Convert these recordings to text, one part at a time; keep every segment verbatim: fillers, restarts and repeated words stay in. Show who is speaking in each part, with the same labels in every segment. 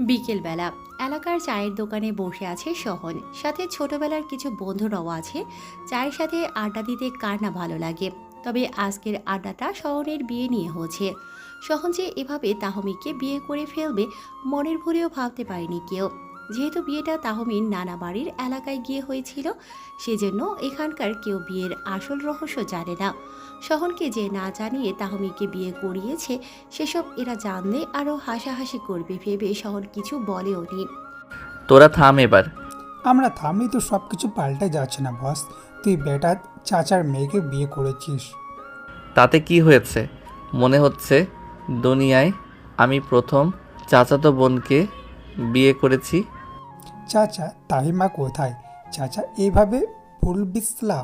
Speaker 1: বিকেলবেলা এলাকার চায়ের দোকানে বসে আছে সহন, সাথে ছোটবেলার কিছু বন্ধুরাও আছে। চায়ের সাথে আড্ডা দিতে কার না ভালো লাগে। তবে আজকের আড্ডাটা সহনের বিয়ে নিয়ে হচ্ছে। সহন যে এভাবে তাহমিকে বিয়ে করে ফেলবে মনের ভুলেও ভাবতে পারেনি কেউ। যেহেতু বিয়েটা তাহমির নানা বাড়ির এলাকায় গিয়ে হয়েছিল, সেজন্য এখানকার কেউ বিয়ের আসল রহস্য জানে না। সহনকে যে না জানিয়ে তাহমিকে বিয়ে করিয়েছে, সেসব এরা জানলে আরও হাসাহাসি করবে ভেবে শহর কিছু বলেও নি।
Speaker 2: তোরা থাম এবার।
Speaker 3: আমরা থামলে তো সব কিছু পাল্টে যাচ্ছে না বস। তুই বেটা চাচার মেয়েকে বিয়ে করেছিস।
Speaker 2: তাতে কি হয়েছে? মনে হচ্ছে দুনিয়ায় আমি প্রথম চাচাতো বোনকে বিয়ে করেছি।
Speaker 3: চাচা তাহিমা কোথায়? চাচা এইভাবে ভুল বিসলাম।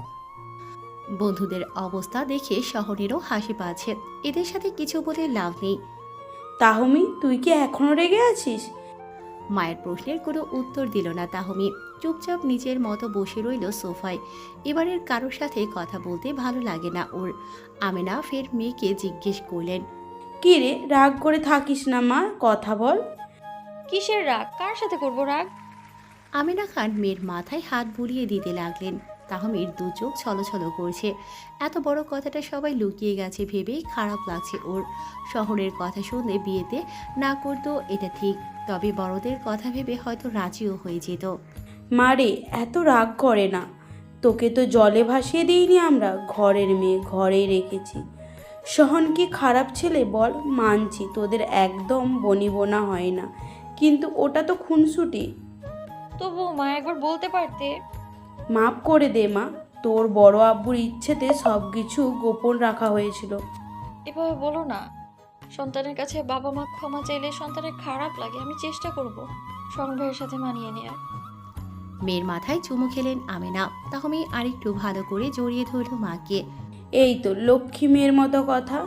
Speaker 1: বন্ধুদের অবস্থা দেখে শহরেরও হাসি পাচ্ছে। এদের সাথে কিছু বলে লাভ নেই।
Speaker 4: তাহমি, তুই কি এখনো রেগে আছিস?
Speaker 1: মায়ের প্রশ্নের কোনো উত্তর দিল না তাহমি। চুপচাপ নিজের মতো বসে রইল সোফায়। এবারের কারোর সাথে কথা বলতে ভালো লাগে না ওর। আমেনা ফের মেয়েকে জিজ্ঞেস করলেন,
Speaker 4: কি রে, রাগ করে থাকিস না মা, কথা বল।
Speaker 5: কিসের রাগ? কার সাথে করব রাগ?
Speaker 1: আমেনা খান মেয়ের মাথায় হাত বুলিয়ে দিতে লাগলেন। তাহমির দু চোখ ছলছল করছে। এত বড় কথাটা সবাই লুকিয়ে গেছে ভেবেই খারাপ লাগছে ওর। শহরের কথা শুনলে বিয়েতে না করতো এটা ঠিক, তবে বড়দের কথা ভেবে হয়তো রাজিও হয়ে যেত।
Speaker 4: মা রে, এত রাগ করে না। তোকে তো জলে ভাসিয়ে দিইনি আমরা, ঘরের মেয়ে ঘরেই রেখেছি। সহন কি খারাপ ছেলে বল? মানছি তোদের একদম বনিবনা হয় না, কিন্তু ওটা তো খুনসুটি।
Speaker 5: তবু মা একবার বলতে পারতে।
Speaker 4: মাফ করে দে মা, তোর বড় আব্বুর ইচ্ছেতে সব কিছু গোপন রাখা হয়েছিল।
Speaker 5: এভাবে বলো না। সন্তানের কাছে বাবা মা ক্ষমা চাইলে সন্তানের খারাপ লাগে। আমি চেষ্টা করব শরণ ভাইয়ের সাথে মানিয়ে নেয়ার।
Speaker 1: মেয়ের মাথায় চুমু খেলেন আমেনা। তাহমি আরেকটু ভালো করে জড়িয়ে ধরল মাকে।
Speaker 4: এই তো লক্ষ্মী মেয়ের মতো কথা।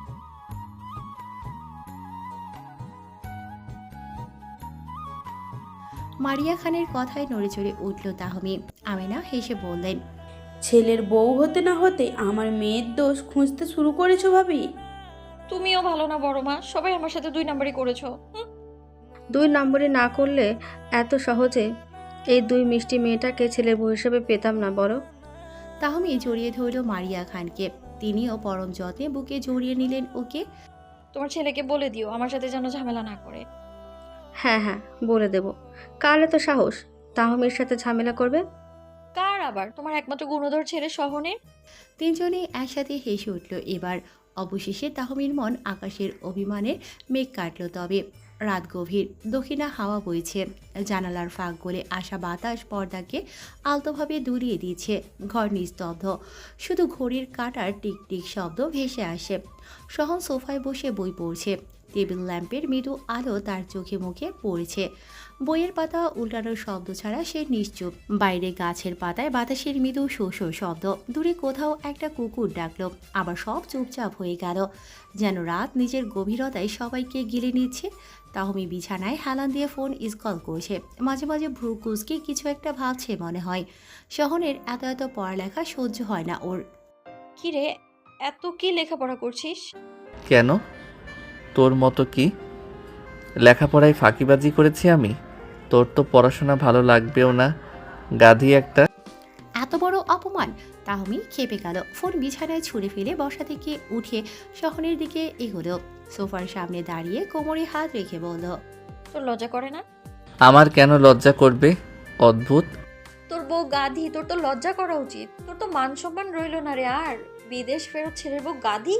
Speaker 1: মারিয়া খানের কথায় নড়েচড়ে উঠল তাহমি। আমেনা হেসে বললেন,
Speaker 4: ছেলের বউ হতে না হতে আমার মেয়ের দোষ খুঁজতে শুরু করেছো ভাবি?
Speaker 5: তুমিও ভালো না বড় মা, সবাই আমার সাথে দুই নাম্বারই করেছো। হুম।
Speaker 6: দুই নম্বরে না করলে এত সহজে এই দুই মিষ্টি মেয়েটাকে ছেলের বউ হিসেবে পেতাম না বড়।
Speaker 1: তাহমি জড়িয়ে ধরল মারিয়া খানকে। তিনিও পরম যত্নে বুকে জড়িয়ে নিলেন ওকে।
Speaker 5: তোমার ছেলেকে বলে দিও আমার সাথে যেন ঝামেলা না করে।
Speaker 6: হ্যাঁ হ্যাঁ বলে দেব। কার এত সাহস তাহমির সাথে ঝামেলা করবে?
Speaker 5: কার আবার? তোমার একমাত্র গুণধর ছেলে সহনের।
Speaker 1: তিনজনে একসাথে হেসে উঠল এবার। অবশেষে তাহমির মন আকাশের অভিমানের মেঘ কাটল। তবে রাত গভীর, দক্ষিণা হাওয়া বইছে। জানালার ফাঁক গলে আসা বাতাস পর্দাকে আলতোভাবে দুলিয়ে দিচ্ছে। ঘর নিস্তব্ধ, শুধু ঘড়ির কাঁটার টিকটিক শব্দ ভেসে আসে। সহন সোফায় বসে বই পড়ছে। টেবিল ল্যাম্পের মৃদু আলো তার চোখে মুখে পড়ছে। বইয়ের পাতা উল্টানোর শব্দ ছাড়া সে নিশ্চুপ। বাইরে গাছের পাতায় বাতাসের মৃদু শো শো শব্দ। দূরে কোথাও একটা কুকুর ডাকলো। আবার সব চুপচাপ হয়ে গেল, যেন রাত নিজের গভীরতায় সবাইকে গিলে নিচ্ছে। তাহমি বিছানায় হেলান দিয়ে ফোন স্কল করছে। মাঝে মাঝে ভ্রু কুচকে কিছু একটা ভাবছে মনে হয়। শহরের এত এত পড়ালেখা সহ্য হয় না ওর।
Speaker 5: কি রে, এত কি লেখাপড়া করছিস?
Speaker 2: কেন? তোর মতো কি লেখাপড়ায় ফাঁকিবাজি করেছি আমি? তোর তো পড়াশোনা ভালো লাগবেও না, গাধি একটা।
Speaker 1: এত বড় অপমান! তাহমি খেপে গেল। ফোন বিছানায় ছুঁড়ে ফেলে বসা থেকে উঠে শহরের দিকে এগোলো। সোফার সামনে দাঁড়িয়ে কোমরে হাত রেখে বলল,
Speaker 5: তোর লজ্জা করে না?
Speaker 2: আমার কেন লজ্জা করবে? অদ্ভুত।
Speaker 5: তোর বউ গাধি, তোর তো লজ্জা করা উচিত। তোর তো মান সম্মান রইল না রে আর। বিদেশ ফেরত ছেলের বউ গাধি।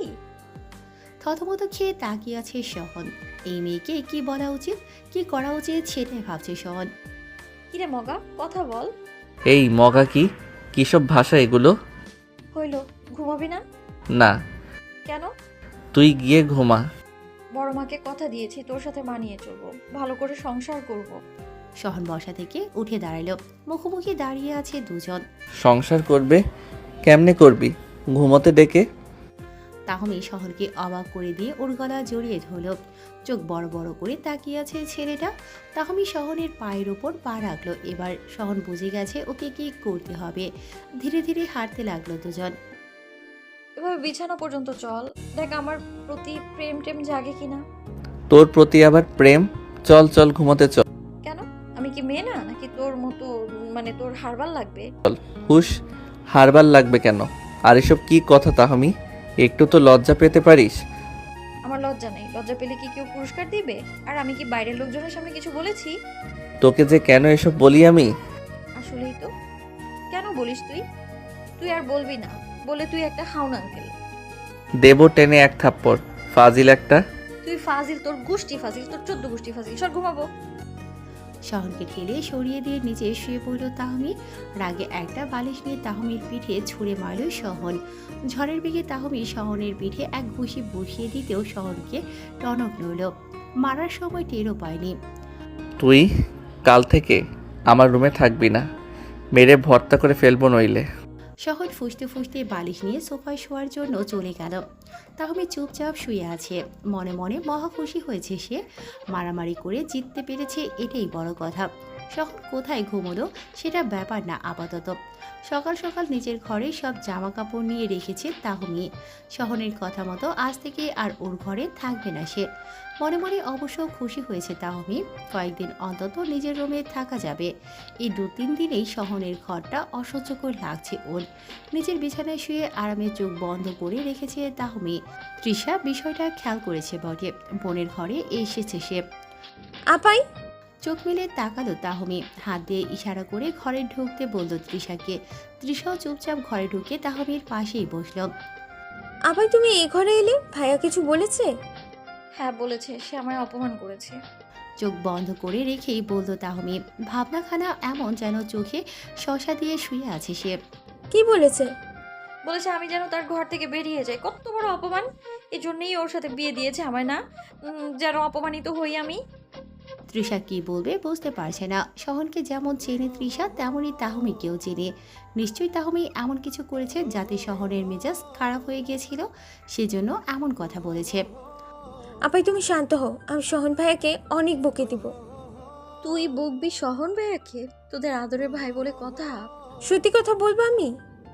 Speaker 1: থতমত খেয়ে তাকিয়ে আছে সহন। এই মেয়েকে কি বলা উচিত, কি করা উচিত সেটাই ভাবছে সহন।
Speaker 5: কিরে মগা, কথা বল।
Speaker 2: এই মগা কি? কিসব ভাষা এগুলো?
Speaker 5: হইল, ঘুমাবি না?
Speaker 2: না।
Speaker 5: কেন?
Speaker 2: তুই গিয়ে ঘুমা।
Speaker 5: বড় মাকে কথা দিয়েছি তোর সাথে মানিয়ে চলবো, ভালো করে সংসার করব।
Speaker 1: সহন বসা থেকে উঠে দাঁড়ালো। মুখোমুখি দাঁড়িয়ে আছে দুজন।
Speaker 2: সংসার করবে? কেমনে করবি? ঘুমোতে ডেকে?
Speaker 1: তাহমি শহরকে অবাক করে দিয়ে ওর গলা জড়িয়ে ধরল। চোখ বড় বড় করে তাকিয়ে আছে ছেলেটা। তাহমি শহরের পায়ের ওপর পা রাখলো। এবার শহন বুঝে গেছে ওকে কি করতে হবে। ধীরে ধীরে হাঁটতে লাগলো দুজন।
Speaker 5: এভাবে বিছানা পর্যন্ত চল, দেখ আমার প্রতি প্রেম টেম জাগে কিনা।
Speaker 2: তোর প্রতি আবার প্রেম? চল চল ঘুমোতে চল।
Speaker 5: কেন? আমি কি মেয়ে না, নাকি তোর মতো মানে তোর হারবাল লাগবে?
Speaker 2: হুশ, হারবার লাগবে কেন? আর এসব কি কথা তাহমি? একটু তো লজ্জা পেতে পারিস।
Speaker 5: আমার লজ্জা নেই। লজ্জা পেলে কি কেউ পুরস্কার দিবে? আর আমি কি বাইরের লোকজনের সামনে কিছু বলেছি?
Speaker 2: তোকে যে কেন এসব বলি আমি।
Speaker 5: আসলেই তো। কেন বলিস তুই? তুই আর বলবি না। বলে তুই একটা হাউন আঙ্কেল।
Speaker 2: দেব টেনে এক থাপ্পড়, ফাজিল একটা।
Speaker 5: তুই ফাজিল, তোর গোষ্ঠী ফাজিল, তোর চোদ্দ গোষ্ঠী ফাজিল। সর ঘুমাবো।
Speaker 1: শহনকে ঠেলে সরিয়ে দিয়ে নিচে শুয়ে পড়ল তাহমি। রাগে একটা বালিশ নিয়ে তাহমির পিঠে ছুঁড়ে মারল শহন। ঝড়ের বেগে তাহমি শহনের পিঠে এক ঘুষি বসিয়ে দিতেও শহনকে টনক নড়ল। মারার সময় টেরও পায়নি।
Speaker 2: তুই কাল থেকে আমার রুমে থাকবি না, মেরে ভর্তা করে ফেলবো নইলে।
Speaker 1: শহর ফুসতে ফুসতে বালিশ নিয়ে সোফায় শোয়ার জন্য চলে গেল। তাহমি চুপচাপ শুয়ে আছে। মনে মনে মহা খুশি হয়েছে সে। মারামারি করে জিততে পেরেছে, এটাই বড় কথা। শহর কোথায় ঘুমোলো সেটা ব্যাপার না আপাতত। সকাল সকাল নিজের ঘরে সব জামা কাপড় নিয়ে রেখেছে তাহমি। শহরের কথা মতো আজ থেকে আর ওর ঘরে থাকবে না সে। মনে মনে অবশ্য খুশি হয়েছে তাহমি। কয়েকদিন অন্তত নিজের রুমে থাকা যাবে। এই দু তিন দিনেই শহরের ঘরটা অসহ্যকর লাগছে ওর। নিজের বিছানায় শুয়ে আরামে চোখ বন্ধ করে রেখেছে তাহমি। তৃষা বিষয়টা খেয়াল করেছে বটে। বোনের ঘরে এসেছে সে।
Speaker 6: আপাই,
Speaker 1: চোখ মেলে তাকালো তাহমি। হাত দিয়ে ইশারা করে ঘরে ঢুকতে বলল তৃষাকে। তৃষাও চুপচাপ ঘরে ঢুকে তাহমির পাশেই বসল।
Speaker 6: আপাই তুমি এই ঘরে এলে? ভাইয়া কিছু বলেছে?
Speaker 5: হ্যাঁ বলেছে, সে আমায় অপমান করেছে।
Speaker 1: চোখ বন্ধ করে রেখেই বলল তাহমি। ভাবনাখানা এমন যেন চোখে শশা দিয়ে শুয়ে আছে সে।
Speaker 6: কি বলেছে?
Speaker 5: বলেছে আমি যেন তার ঘর থেকে বেরিয়ে যাই। কত বড় অপমান! এই জন্যই ওর সাথে বিয়ে দিয়েছে আমায় না, উম, যেন অপমানিত হই আমি।
Speaker 1: তৃষা কি বলবে বুঝতে পারছে না। শহনকে যেমন চেনে তৃষা, তেমনই তাহমিকেও চেনে। নিশ্চয়ই তাহমি এমন কিছু করেছে যাতে শহরের মেজাজ খারাপ হয়ে গিয়েছিল, সেজন্য এমন কথা বলেছে।
Speaker 6: আপাই তুমি শান্ত হও, আমি সোহন ভাইয়াকে অনেক বকে দিব।
Speaker 5: তুই বকবি শহন ভাইয়াকে? তোদের আদরের ভাই বলে কথা।
Speaker 6: সত্যি কথা বলবো আমি?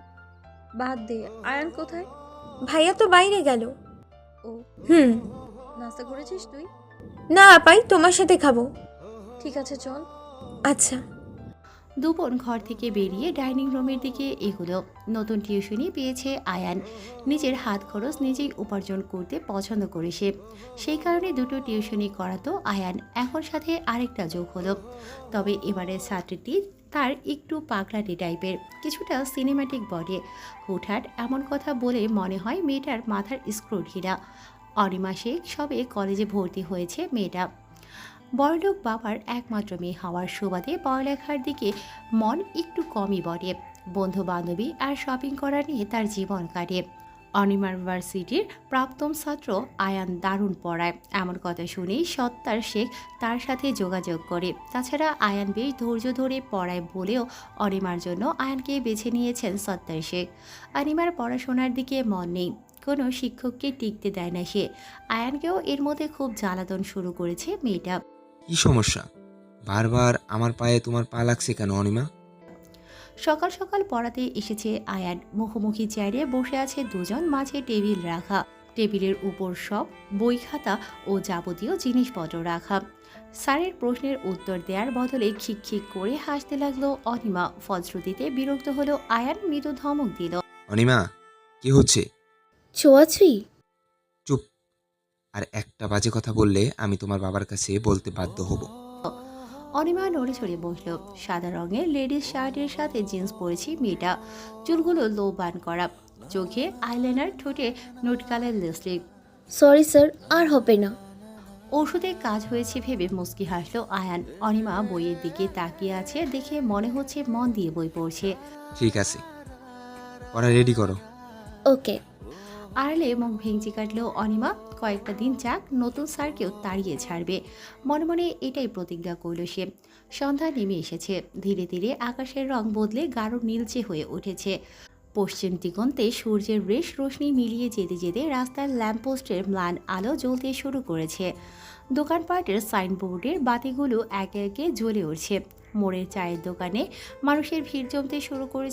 Speaker 5: বাদ দে। আয়ান কোথায়?
Speaker 6: ভাইয়া তো বাইরে গেল।
Speaker 5: ও,
Speaker 6: হুম।
Speaker 5: নাস্তা করেছিস তুই?
Speaker 6: না আপাই, তোমার সাথে খাবো।
Speaker 5: ঠিক আছে চল।
Speaker 6: আচ্ছা।
Speaker 1: দুপুর ঘর থেকে বেরিয়ে ডাইনিং রুমের দিকে এগুলো। নতুন টিউশনি পেয়েছে আয়ান। নিজের হাত খরচ নিজেই উপার্জন করতে পছন্দ করে সে। সেই কারণে দুটো টিউশনি করাতো আয়ান। এখন সাথে আরেকটা যোগ হলো। তবে এবারের ছাত্রীটি তার একটু পাগলাটি টাইপের, কিছুটা সিনেম্যাটিক বডি। হুটহাট এমন কথা বলে মনে হয় মেয়েটার মাথার স্ক্রু ঢিলা। অনিমা শেখ সবে কলেজে ভর্তি হয়েছে মেয়েটা। বড়লোক বাবার একমাত্র মেয়ে হওয়ার সুবাদে পড়ালেখার দিকে মন একটু কমই বটে। বন্ধু বান্ধবী আর শপিং করা নিয়ে তার জীবন কাটে। অনিমা ইউনিভার্সিটির প্রাক্তন ছাত্র আয়ান দারুণ পড়ায়, এমন কথা শুনেই সত্তার শেখ তার সাথে যোগাযোগ করে। তাছাড়া আয়ান বেশ ধৈর্য ধরে পড়ায় বলেও অনিমার জন্য আয়ানকে বেছে নিয়েছেন সত্তার শেখ। অনিমার পড়াশোনার দিকে মন নেই, কোনো শিক্ষককে টিকতে দেয় না সে। আয়ানকেও এর মধ্যে খুব জ্বালাতন শুরু করেছে মেয়েটা।
Speaker 7: কি সমস্যা? বারবার আমার পায়ে তোমার পা লাগছে কেন অনিমা?
Speaker 1: সকাল সকাল পড়াতে এসেছে আয়ান। মুখোমুখি চেয়ারে বসে আছে দুজন, মাঝে টেবিল রাখা। টেবিলের উপর সব বই খাতা ও যাবতীয় জিনিসপত্র রাখা। স্যারের প্রশ্নের উত্তর দেওয়ার বদলে খিক খিক করে হাসতে লাগলো অনিমা। ফলশ্রুতিতে বিরক্ত হলো আয়ান, মৃদু ধমক দিল।
Speaker 7: অনিমা, কি হচ্ছে?
Speaker 6: ছোঁয়াছুঁই?
Speaker 7: চুপ! আর একটা বাজে কথা বললে আমি তোমার বাবার কাছে বলতে বাধ্য হব।
Speaker 1: অনিমা নড়ে চড়ে বসলো। সাদা রঙের লেডিস শার্টের সাথে জিন্স পরেছে মেয়েটা। চুলগুলো লো বান করা, চোখে আইলাইনার, ঠোঁটে নোট কালার লিপস্টিক।
Speaker 6: সরি স্যার, আর হবে না।
Speaker 1: ওষুধে কাজ হয়েছে ভেবে মুচকি হাসলো আয়ান। অনিমা বইয়ের দিকে তাকিয়ে আছে দেখে মনে হচ্ছে মন দিয়ে বই পড়ছে।
Speaker 7: ঠিক আছে, পড়া রেডি করো।
Speaker 6: ওকে।
Speaker 1: আড়লে মুখ ভেঙচি কাটলেও অনিমা কয়েকটা দিন যাক, নতুন স্যারকেও তাড়িয়ে ছাড়বে। মনে মনে এটাই প্রতিজ্ঞা করল সে। সন্ধ্যা নেমে এসেছে। ধীরে ধীরে আকাশের রং বদলে গাঢ় নীলচে হয়ে উঠেছে। পশ্চিম দিগন্তে সূর্যের রেশ রোশনি মিলিয়ে যেতে যেতে রাস্তার ল্যাম্পপোস্টের ম্লান আলো জ্বলতে শুরু করেছে। দোকানপাটের সাইনবোর্ডের বাতিগুলো একে একে জ্বলে উঠছে। মোড়ের চায়ের দোকানে মানুষের ভিড় জমতে শুরু করেছে।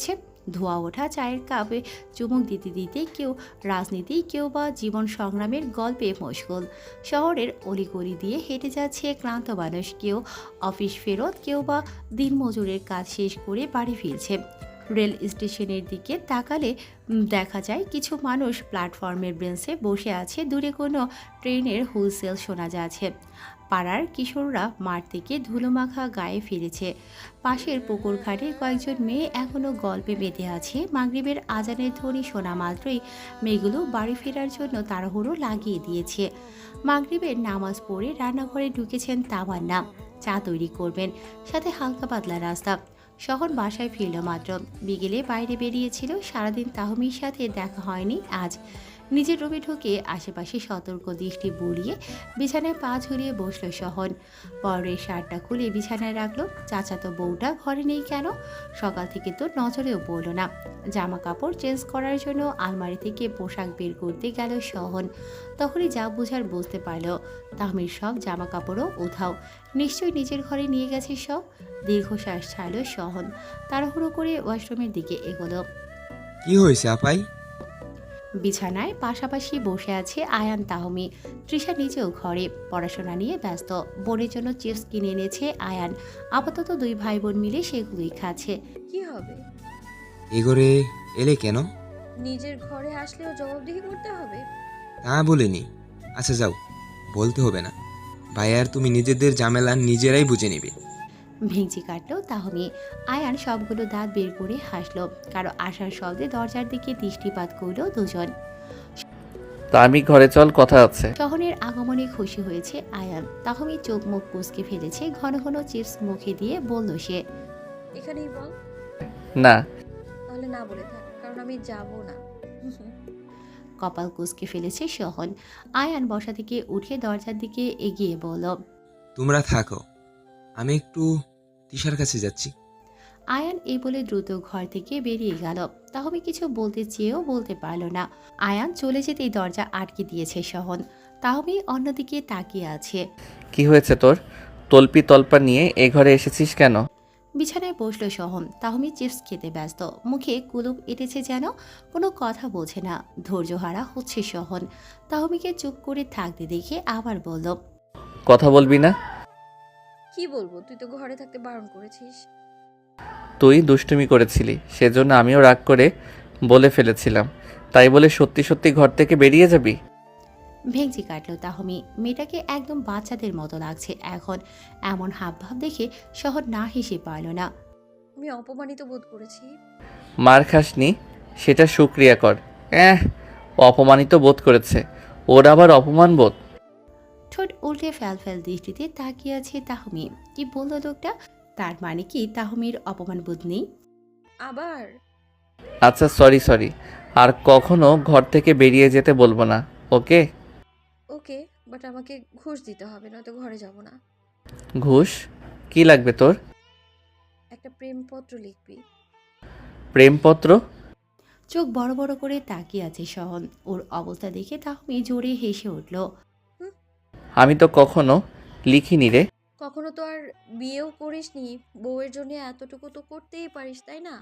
Speaker 1: ধোয়া ওঠা চায়ের কাপে চুমুক দিতে দিতে কেউ রাজনীতি, কেউ বা জীবন সংগ্রামের গল্পে মশগুল। শহরের অলিগলি দিয়ে হেঁটে যাচ্ছে ক্লান্ত মানুষ, কেউ অফিস ফেরত, কেউ বা দিনমজুরের কাজ শেষ করে বাড়ি ফিরছে। রেল স্টেশনের দিকে তাকালে উম, দেখা যায় কিছু মানুষ প্ল্যাটফর্মের বেঞ্চে বসে আছে, দূরে কোনো ট্রেনের হুইসেল শোনা যাচ্ছে। পাড়ার কিশোররা মাঠ থেকে ধুলোমাখা গায়ে ফিরেছে। পাশের পুকুর ঘাটে কয়েকজন মেয়ে এখনও গল্পে মেতে আছে। মাগরিবের আজানের ধ্বনি শোনা মাত্রই মেয়েগুলো বাড়ি ফেরার জন্য তাড়াহুড়ো লাগিয়ে দিয়েছে। মাগরিবের নামাজ পড়ে রান্নাঘরে ঢুকেছেন তামান্না। চা তৈরি করবেন, সাথে হালকা পাতলা রাস্তা। শহর বাসায় ফিরল মাত্র, বিকেলে বাইরে বেরিয়েছিল। সারাদিন তাহমির সাথে দেখা হয়নি আজ। নিজের রুমে ঢুকে আশেপাশে সতর্ক দৃষ্টি বুলিয়ে বিছানায় পা ঝুলিয়ে বসল শহন। পরের শার্টটা খুলে বিছানায় রাখলো। চাচাতো বউটা ঘরে নেই কেন? সকাল থেকে তো নজরেও পড়ল না। জামা কাপড় চেঞ্জ করার জন্য আলমারি থেকে পোশাক বের করতে গেল শহন। তখনই যা বুঝার বুঝতে পারল, তাহমির সব জামা কাপড়ও উধাও। নিশ্চয়ই নিজের ঘরে নিয়ে গেছে সব। দীর্ঘশ্বাস ছাড়ল শহন। তাড়াহুড়ো করে ওয়াশরুমের দিকে এগোলো।
Speaker 7: কি হয়েছে আপাই?
Speaker 1: বিছানায় পাশাপাশি বসে আছে আয়ান, তাহমি। তৃষা নিজেও ঘরে পড়াশোনা নিয়ে ব্যস্ত। বোনের জন্য চিপস কিনে এনেছে আয়ান। আপাতত দুই ভাই বোন মিলে সেগুলোই খাচ্ছে।
Speaker 5: কি হবে?
Speaker 7: এগোরে এলে কেন?
Speaker 5: নিজের ঘরে আসলেও জবাবদিহি করতে হবে?
Speaker 7: তা বলিনি। আচ্ছা যাও, বলতে হবে না। ভাই আর তুমি নিজেদের ঝামেলা নিজেরাই বুঝে নিবে।
Speaker 1: ভেঙচি কাটলো তাহমি। আয়ান সবগুলো দাঁত বের করে হাসলো। কারো আসার শব্দে দরজার দিকে দৃষ্টিপাত করলো দুজন।
Speaker 2: তা আমি ঘরে চল, কথা আছে।
Speaker 1: শহরের আগমনে খুশি হয়েছে আয়ান। তাহমি চোখ মুখ কুঁচকে ফেলেছে। ঘন ঘন চিপস মুখে দিয়ে বলল সে,
Speaker 5: এখানেই বল।
Speaker 2: না,
Speaker 5: তাহলে না বলে থাক, কারণ আমি যাব না।
Speaker 1: কপাল কুঁচকে ফেলেছে শহন। আয়ান বসা থেকে উঠে দরজার দিকে এগিয়ে বলল,
Speaker 7: তোমরা থাকো, আমি একটু তিশার কাছে যাচ্ছি।
Speaker 1: আয়ান এই বলে দ্রুত ঘর থেকে বেরিয়ে গেল। তাহমি কিছু বলতে চেয়েও বলতে পারল না। আয়ান চলে যেতেই দরজা আটকে দিয়েছে শহন। তাহমি অন্যদিকে তাকিয়ে আছে।
Speaker 2: কি হয়েছে তোর? তলপি তলপা নিয়ে এ ঘরে এসেছিস কেন?
Speaker 1: বিছানায় বসলো শহন। তাহমি চিপস খেতে ব্যস্ত, মুখে কুলুপ এঁটেছে যেন। কোনো কথা বোঝে না, ধৈর্যহারা হচ্ছে শহন। তাহমিকে চুপ করে থাকতে দেখে আবার বলল,
Speaker 2: কথা বলবি না?
Speaker 5: কি বলবো? তুই তো ঘরে থাকতে বারণ করেছিস।
Speaker 2: তুই দুষ্টুমি করেছিলি, সেজন্য আমিও রাগ করে বলে ফেলেছিলাম। তাই বলে সত্যি সত্যি ঘর থেকে বেরিয়ে যাবি?
Speaker 1: ভেঙচি কাটল তাহমি। মেয়েটাকে একদম বাচ্চাদের মতো লাগছে এখন। এমন হাবভাব দেখে শহর না হেসে পারল না।
Speaker 5: আমি অপমানিত বোধ করেছি।
Speaker 2: মার খাসনি, সেটা শুক্রিয়া কর। এহ, অপমানিত বোধ করেছে, ওর আবার অপমান বোধ।
Speaker 1: ঠোঁট উল্টে ফ্যাল ফ্যাল দৃষ্টিতে তাকিয়ে আছে তাহমি। কি বলল লোকটা? তার মানে কি তাহমির অপমান বোধ নেই?
Speaker 5: আবার?
Speaker 2: আচ্ছা সরি সরি, আর কখনো ঘর থেকে বেরিয়ে যেতে বলবো না, ওকে?
Speaker 5: ওকে, বাট আমাকে ঘুষ দিতে হবে, নয়তো ঘরে যাব না।
Speaker 2: ঘুষ? কি লাগবে তোর?
Speaker 5: একটা প্রেমপত্র লিখবি।
Speaker 2: প্রেমপত্র?
Speaker 1: চোখ বড় বড় করে তাকিয়ে আছে শহন। ওর অবস্থা দেখে তাহমি জোরে হেসে উঠল।
Speaker 2: আমি তো কখনো লিখিনি রে।
Speaker 5: কখনো তো আর বিয়েও করিসনি, বউয়ের জন্য এতটুকু তো করতেই পারিস, তাই না?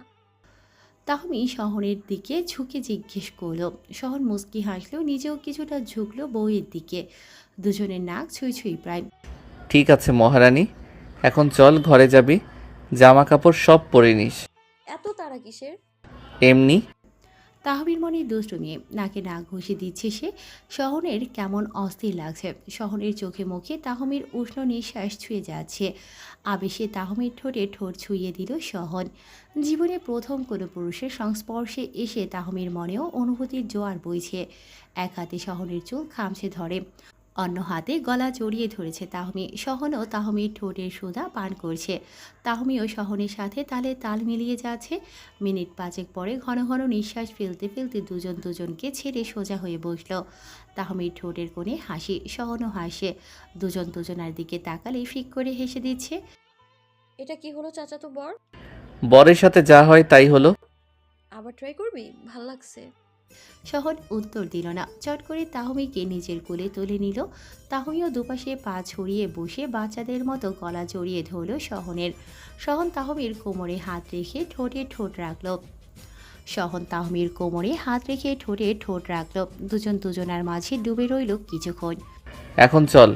Speaker 1: তাহমি শহরের দিকে ঝুঁকে জিজ্ঞেস করলো। শহর মুচকি হাসলো, নিজেও কিছুটা ঝুঁকলো বউয়ের দিকে। দুজনের নাক ছুঁই ছুঁই প্রায়।
Speaker 2: ঠিক আছে মহারানী, এখন চল ঘরে যাবি, জামা কাপড় সব পরে নিস।
Speaker 5: এত তাড়া কিসের?
Speaker 2: এমনি।
Speaker 1: তাহমির মনে দুষ্টু নিয়ে নাকে নাক ঘষে দিচ্ছে সে। শহরের কেমন অস্থির লাগছে। শহরের চোখে মুখে তাহমির উষ্ণ নিঃশ্বাস ছুঁয়ে যাচ্ছে। আবেশে তাহমির ঠোঁটে ঠোঁট ছুঁয়ে দিল শহন। জীবনে প্রথম কোনো পুরুষের সংস্পর্শে এসে তাহমির মনেও অনুভূতির জোয়ার বইছে। এক হাতে শহরের চুল খামছে ধরে, অন্য হাতে গলা জড়িয়ে ধরেছে তাহমি। শহনও তাহমির ঠোঁটের সুধা পান করছে। তাহমিও শহনের সাথে তালে তাল মিলিয়ে যাচ্ছে। মিনিট পাঁচেক পরে ঘন ঘন নিঃশ্বাস ফেলতে ফেলতে দুজন দুজনকে ছেড়ে সোজা হয়ে বসল। তাহমির ঠোঁটের কোণে হাসি, শহনও হাসে। দুজন দুজনার দিকে তাকালে ফিক করে হেসে দিচ্ছে।
Speaker 5: এটা কি হলো চাচাতো বর?
Speaker 2: বরের সাথে যা হয় তাই হলো।
Speaker 5: আবার ট্রাই করবি? ভাল লাগছে।
Speaker 1: শহর উত্তর দিল না। চট করে তাহমিকে নিজের কোলে তুলে নিল। তাহমিও দুপাশে পা ছড়িয়ে বসে বাচ্চাদের মতো গলা জড়িয়ে ধরল শহনের। শহন তাহমির কোমরে হাত রেখে ঠোঁটে ঠোঁট রাখল। সহন তাহমির কোমরে হাত রেখে ঠোঁটে ঠোঁট রাখল। দুজন দুজনার মাঝে ডুবে রইল কিছুক্ষণ।
Speaker 2: এখন চল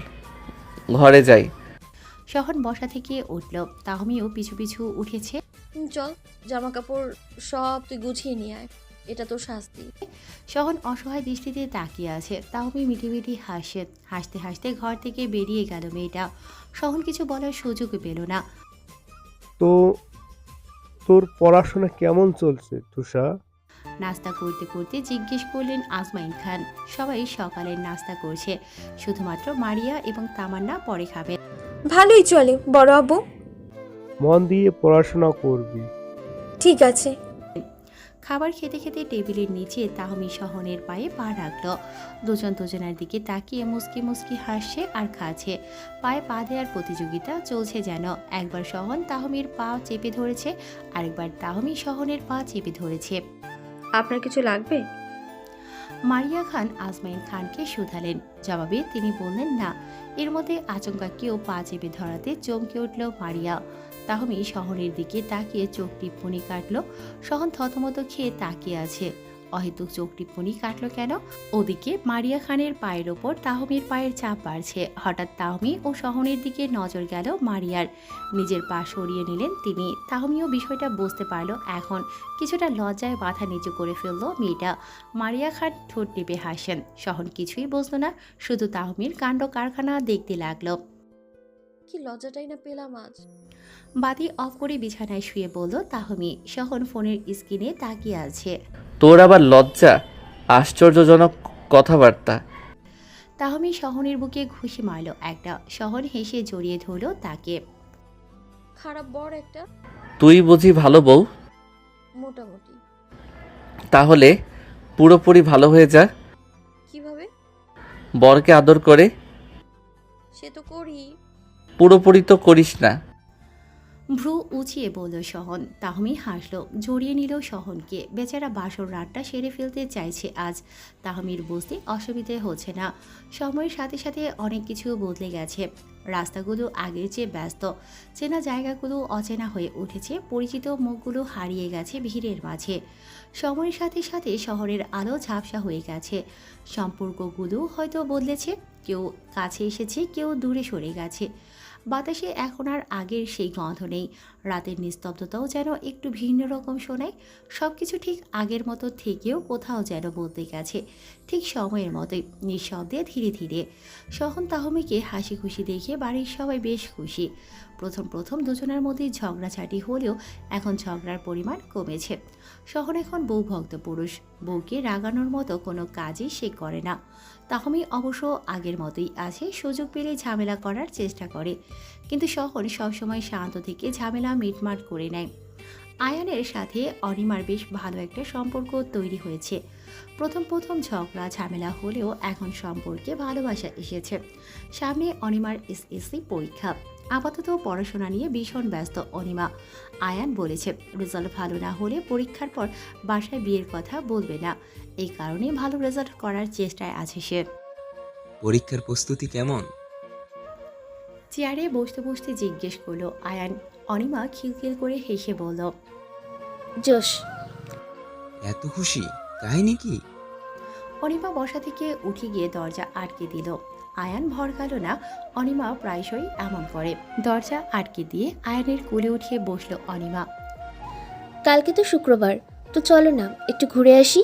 Speaker 2: ঘরে যাই।
Speaker 1: সহন বসা থেকে উঠল, তাহমিও পিছু পিছু উঠেছে।
Speaker 5: হুম, চল, জামা কাপড় সব তুই গুছিয়ে নিয়ে আয়, এটা তোর শাস্তি।
Speaker 1: সহন অসহায় দৃষ্টিতে তাকিয়ে আছে। তাহমি মিটি মিটি হাসে। হাসতে হাসতে ঘর থেকে বেরিয়ে গেল মেয়েটা। সহন কিছু বলার সুযোগ পেল না।
Speaker 8: তো তোর পড়াশোনা কেমন চলছে তুষা?
Speaker 1: নাস্তা করতে করতে জিজ্ঞেস করলেন আজমাইন খান। সবাই সকালের নাস্তা করছে, শুধুমাত্র মারিয়া এবং তামান্না পরে খাবে।
Speaker 9: ভালোই চলে বড় আব্বু।
Speaker 8: মন দিয়ে পড়াশোনা করবি।
Speaker 9: ঠিক আছে।
Speaker 1: খাবার খেতে খেতে টেবিলের নিচে তাহমি সহনের পায়ে পা রাখল। দুজন দুজনের দিকে তাকিয়ে মুসকি মুসকি হাসছে আর খাচ্ছে। পায়ে পা দেওয়ার প্রতিযোগিতা চলছে যেন। একবার সহন তাহমির পা চেপে ধরেছে, আরেকবার তাহমি সহনের পা চেপে ধরেছে।
Speaker 6: আপনার কিছু লাগবে?
Speaker 1: মারিয়া খান আজমাইন খানকে শুধালেন। জবাবে তিনি বললেন না। এর মধ্যে আচমকা কেউ পা চেপে ধরাতে চমকে উঠল মারিয়া। তাহমি শহরের দিকে তাকিয়ে চোখ টিপ্পনি কাটল। সহন থতমত খেয়ে তাকিয়ে আছে। অহেতুক চোখ টিপ্পনি কাটল কেন? ওদিকে মারিয়া খানের পায়ের ওপর তাহমির পায়ের চাপ বাড়ছে। হঠাৎ তাহমি ও সহনের দিকে নজর গেল মারিয়ার। নিজের পা সরিয়ে নিলেন তিনি। তাহমিও বিষয়টা বুঝতে পারল এখন। কিছুটা লজ্জায় মাথা নিচু করে ফেলল মেয়েটা। মারিয়া খান ঠোঁট টিপে হাসেন। সহন কিছুই বুঝল না, শুধু তাহমির কাণ্ড কারখানা দেখতে লাগলো।
Speaker 5: কি লজ্জাটাই না পেলাম আজ।
Speaker 1: বাতি অফ করে বিছানায় শুয়ে বলল তাহমি। সহন ফোনের স্ক্রিনে তাকিয়ে আছে।
Speaker 2: তোর আবার লজ্জা? আশ্চর্যজনক কথাবার্তা।
Speaker 1: তাহমি সহনের বুকে ঘুষি মারল একটা। সহন হেসে জড়িয়ে ধরল তাকে।
Speaker 5: খারাপ বর একটা।
Speaker 2: তুই বুঝি ভালো বউ?
Speaker 5: মোটামুটি।
Speaker 2: তাহলে পুরোপুরি ভালো হয়ে যা।
Speaker 5: কিভাবে?
Speaker 2: বরকে আদর করে।
Speaker 5: সে তো করি।
Speaker 2: পুরোপুরি তো করিস না।
Speaker 1: ভ্রু উঁচিয়ে বলল সহন। তাহমি হাসল, জড়িয়ে নিল সহনকে। বেচারা বাসর রাতটা সেরে ফেলতে চাইছে আজ। তাহমির বুঝতে অসুবিধে হচ্ছে না। সময়ের সাথে সাথে অনেক কিছু বদলে গেছে। রাস্তাগুলো আগের চেয়ে ব্যস্ত। চেনা জায়গাগুলো অচেনা হয়ে উঠেছে। পরিচিত মুখগুলো হারিয়ে গেছে ভিড়ের মাঝে। সময়ের সাথে সাথে শহরের আলো ঝাপসা হয়ে গেছে। সম্পর্কগুলো হয়তো বদলেছে। কেউ কাছে এসেছে, কেউ দূরে সরে গেছে। বাতাসে এখন আর আগের সেই গন্ধ নেই। রাতের নিস্তব্ধতাও যেন একটু ভিন্ন রকম শোনায়। সব কিছু ঠিক আগের মতো থেকেও কোথাও যেন বদলে গেছে, ঠিক সময়ের মতোই, নিঃশব্দে ধীরে ধীরে। সহন তাহমিকে হাসি খুশি দেখে বাড়ির সবাই বেশ খুশি। প্রথম প্রথম দুজনের মধ্যে ঝগড়াঝাটি হলেও এখন ঝগড়ার পরিমাণ কমেছে। সহন এখন বউভক্ত পুরুষ। বউকে রাগানোর মতো কোনো কাজই সে করে না। তাহমি অবশ্য আগের মতোই আছে, সুযোগ পেলে ঝামেলা করার চেষ্টা করে। কিন্তু সহন সবসময় শান্ত থেকে ঝামেলা মিটমাট করে নেয়। আয়ানের সাথে অনিমার বেশ ভালো একটা সম্পর্ক তৈরি হয়েছে। প্রথম প্রথম ঝগড়া ঝামেলা হলেও এখন সম্পর্কে ভালোবাসা এসেছে। সামনে অনিমার এসএসসি পরীক্ষা। আপাতত পড়াশোনা নিয়ে ভীষণ ব্যস্ত অনিমা। আয়ান বলেছে রেজাল্ট ভালো না হলে পরীক্ষার পর বাসায় বিয়ের কথা বলবে না। এই কারণে ভালো রেজাল্ট করার চেষ্টায় আছে সে।
Speaker 7: পরীক্ষার প্রস্তুতি কেমন?
Speaker 1: চেয়ারে বসতে বসতে জিজ্ঞেস করলো আয়ান। অনিমা খিলখিল করে হেসে বলল,
Speaker 9: জোশ।
Speaker 7: এত খুশি? কাহিনী কি?
Speaker 1: অনিমা বসা থেকে উঠে গিয়ে দরজা আটকে দিল। আয়ান ভরকাল না। অনিমা প্রায়শই এমন করে। দরজা আটকে দিয়ে আয়ানের কোলে উঠিয়ে বসলো অনিমা।
Speaker 9: কালকে তো শুক্রবার, তো চলো না একটু ঘুরে আসি।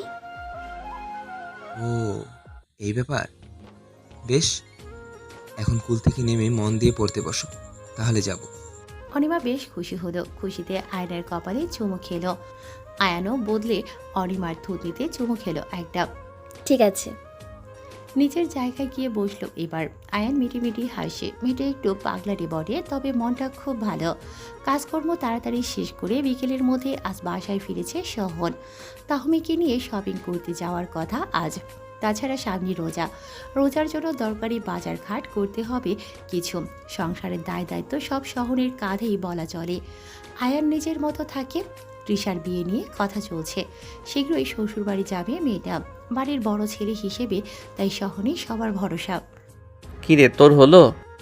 Speaker 7: ও, এই ব্যাপার। বেশ, এখন কুল থেকে নেমে মন দিয়ে পড়তে বসো, তাহলে যাব।
Speaker 1: অনিমা বেশ খুশি হলো। খুশিতে আয়নের কপালে চুমু খেলো। আয়ানও বদলে অনিমার থুতনিতে চুমু খেলো একটা।
Speaker 9: ঠিক আছে।
Speaker 1: নিজের জায়গায় গিয়ে বসলো এবার। আয়ান মিটি মিটি হাসে। মেয়েটা একটু পাগলাটে বটে, তবে মনটা খুব ভালো। কাজকর্ম তাড়াতাড়ি শেষ করে বিকেলের মধ্যে আজ বাসায় ফিরেছে সহন। তাহমিকে নিয়ে শপিং করতে যাওয়ার কথা আজ। তাছাড়া সামনে রোজা। রোজার জন্য দরকারি বাজার ঘাট করতে হবে কিছু। সংসারের দায় দায়িত্ব সব শহরের কাঁধেই বলা চলে। আয়ান নিজের মতো থাকে। তৃষার বিয়ে নিয়ে কথা চলছে। শীঘ্রই শ্বশুরবাড়ি যাবে মেয়েটা। বাড়ির বড় ছেলে হিসেবে তাই শহরে সবার ভরসা।
Speaker 2: কিরে তোর হলো?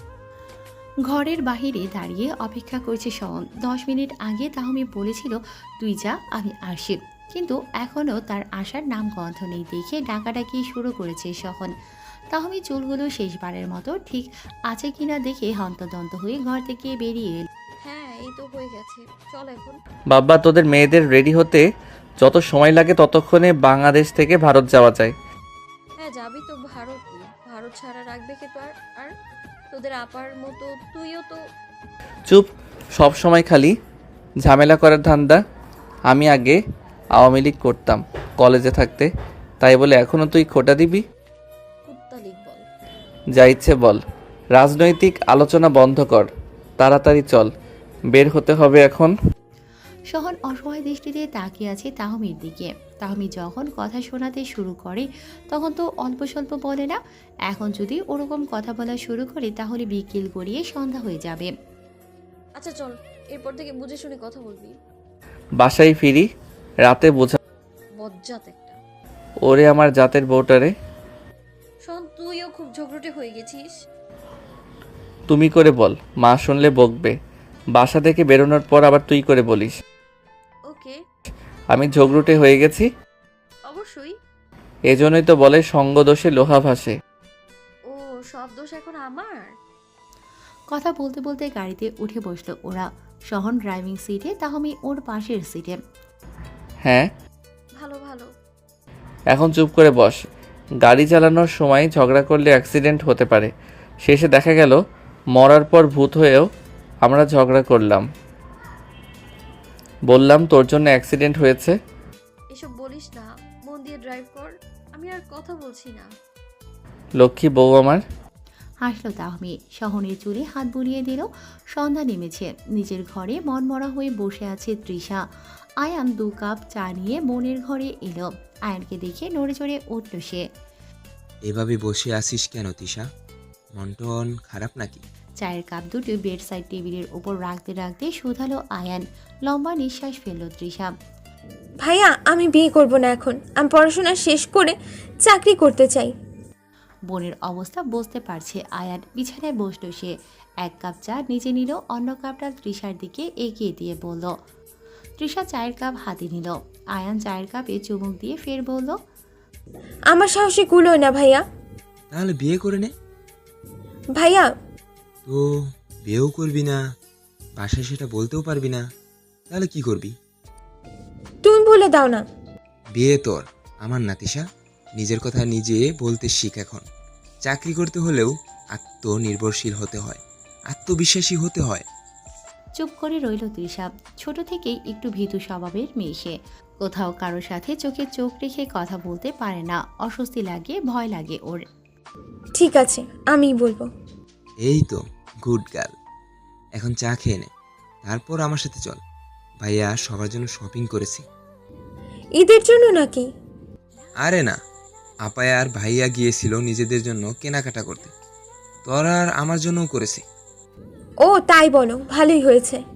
Speaker 1: ঘরের বাহিরে দাঁড়িয়ে অপেক্ষা করছে শহন। দশ মিনিট আগে তাহমি বলেছিল তুই যা, আমি আসি। কিন্তু এখনও তার আসার নাম গন্ধ নেই দেখে ডাকাডাকি শুরু করেছে সহন। তাহমি চুলগুলো শেষবারের মতো ঠিক আছে কিনা দেখে হন্তদন্ত হয়ে ঘর থেকে বেরিয়ে এল।
Speaker 5: হ্যাঁ এই তো হয়ে গেছে, চল এখন।
Speaker 2: বাবা, তোদের মেয়েদের রেডি হতে যত সময় লাগে ততক্ষণে বাংলাদেশ থেকে ভারত যাওয়া যায়।
Speaker 5: হ্যাঁ যাবি তো ভারত, ভারত ছাড়া রাখবে কে তো আর আর তোদের আপার মতো তুইও তো।
Speaker 2: চুপ, সব সময় খালি ঝামেলা করার ধান্দা। আমি আগে আওয়ামী লীগ করতাম কলেজে থাকতে, তাই বলে এখনও তুই খোটা দিবি?
Speaker 5: কুত্তা লিগ বল।
Speaker 2: যা ইচ্ছে বল, রাজনৈতিক আলোচনা বন্ধ কর, তাড়াতাড়ি চল, বের হতে হবে এখন।
Speaker 1: সহন অসহায় দৃষ্টিতে তাকিয়ে আছে তাহমির দিকে। তাহমি যখন কথা শোনাতে শুরু করে তখন তো অল্প স্বল্প বলে না। এখন যদি ওরকম কথা বলা শুরু করে তাহলে বিকেল গড়িয়ে সন্ধ্যা হয়ে যাবে।
Speaker 5: আচ্ছা চল, এরপর থেকে বুঝে শুনে কথা বলবি।
Speaker 2: বাসায় ফিরি, রাতে বোঝা।
Speaker 5: বজ্জাত একটা।
Speaker 2: ওরে আমার জাতের বউটারে।
Speaker 5: শোন, তুইও খুব ঝগড়টে হয়ে গেছিস।
Speaker 2: তুমি করে বল, মা শুনলে বকবে। বাসা থেকে বেরোনোর পর আবার তুই করে বলিস।
Speaker 5: ওকে।
Speaker 2: আমি ঝগড়ুটে হয়ে গেছি,
Speaker 5: অবশ্যই।
Speaker 2: এজন্যই তো বলে সঙ্গ দোষে লোহা ভাসে।
Speaker 5: ও, সব দোষ এখন আমার।
Speaker 1: কথা বলতে বলতে গাড়িতে উঠে বসলো ওরা। সহন ড্রাইভিং সিটে, তাহমি ওর পাশের সিটে।
Speaker 2: হ্যাঁ,
Speaker 5: ভালো ভালো।
Speaker 2: এখন চুপ করে বস। গাড়ি চালানোর সময় ঝগড়া করলে অ্যাক্সিডেন্ট হতে পারে। শেষে দেখা গেল মরার পর ভূত হয়েও আমরা ঝগড়া করলাম। বললাম তোর জন্য অ্যাক্সিডেন্ট হয়েছে।
Speaker 5: এসব বলিস না, মন দিয়ে ড্রাইভ কর। আমি আর কথা বলছি না।
Speaker 2: লক্ষ্মী বউ আমার।
Speaker 1: হাসলো তাহমি, সহনের চুলে হাত বুলিয়ে দিল। সন্ধ্যা নেমেছে। নিজের ঘরে মনমরা হয়ে বসে আছে তৃষা। আয়ান দু কাপ চা নিয়ে বোনের ঘরে এলো। আয়ানকে দেখে নড়ে চড়ে উঠল সে।
Speaker 7: এভাবে বসে আসিস কেন তিশা? মন টন খারাপ নাকি?
Speaker 1: চায়ের কাপ দুটো বেড সাইড টেবিলের উপর রাখতে রাখতে শুধালো আয়ান। লম্বা নিঃশ্বাস ফেলল তৃষা।
Speaker 10: ভাইয়া, আমি বিয়ে করব না এখন। আমি পড়াশোনা শেষ করে চাকরি করতে চাই।
Speaker 1: বোনের অবস্থা বুঝতে পারছে আয়ান। বিছানায় বসলো সে। এক কাপ চা নিজে নিল, অন্য কাপটা তৃষার দিকে এগিয়ে দিয়ে বলল। তৃষা চায়ের কাপ হাতে নিল। আয়ান চায়ের কাপে চুমুক দিয়ে ফের বলল,
Speaker 10: আমার সাহসে কুলোয় না ভাইয়া।
Speaker 7: তাহলে বিয়ে করে নে।
Speaker 10: ভাইয়া,
Speaker 7: তো বিয়েও করবি না, বাসায় সেটা বলতেও পারবি না, তাহলে কি করবি?
Speaker 10: তুমি বলে দাও না।
Speaker 7: বিয়ে তোর, আমার না তিশা। নিজের কথা নিজে বলতে শিখ এখন। চাকরি করতে হলেও আত্মনির্ভরশীল হতে হয়, আত্মবিশ্বাসী হতে হয়।
Speaker 1: চুপ করে রইল তৃষা। ছোট থেকেই একটু ভীতু স্বভাবের মেয়ে সে। কোথাও কারো সাথে চোখে চোখ রেখে কথা বলতে পারে না। অস্বস্তি লাগে, ভয় লাগে ওর।
Speaker 10: ঠিক আছে, আমিই বলবো।
Speaker 7: এই তো গুড গার্ল। এখন চা খেয়ে নে, তারপর আমার সাথে চল। ভাইয়া সবার জন্য শপিং করেছি।
Speaker 10: ঈদের জন্য নাকি?
Speaker 7: আরে না, আপায়া আর ভাইয়া গিয়েছিল নিজেদের জন্য কেনাকাটা করতে, তোর আর আমার জন্যও করেছি।
Speaker 10: ও তাই বলো, ভালোই হয়েছে।